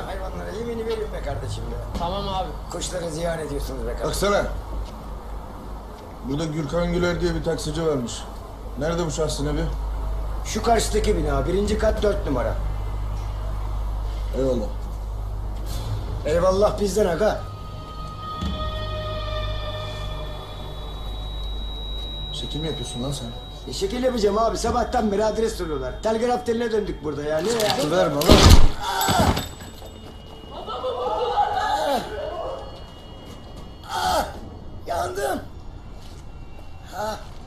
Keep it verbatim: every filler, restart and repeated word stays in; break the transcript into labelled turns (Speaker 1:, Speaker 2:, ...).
Speaker 1: hayvanlara yemini verin be kardeşim be.
Speaker 2: Tamam abi.
Speaker 1: Kuşları ziyan ediyorsunuz be kardeşim.
Speaker 3: Baksana. Burada Gürkan Güler diye bir taksici varmış. Nerede bu şahsın evi?
Speaker 1: Şu karşıdaki bina, birinci kat dört numara.
Speaker 3: Eyvallah.
Speaker 1: Eyvallah bizden aga.
Speaker 3: Şekil mi yapıyorsun lan sen?
Speaker 1: E şekil yapacağım abi, sabahtan beri adres soruyorlar. Telgraf teline döndük burada ya, ne ya?
Speaker 3: Su verme lan.
Speaker 1: Ah, yandım. Ha,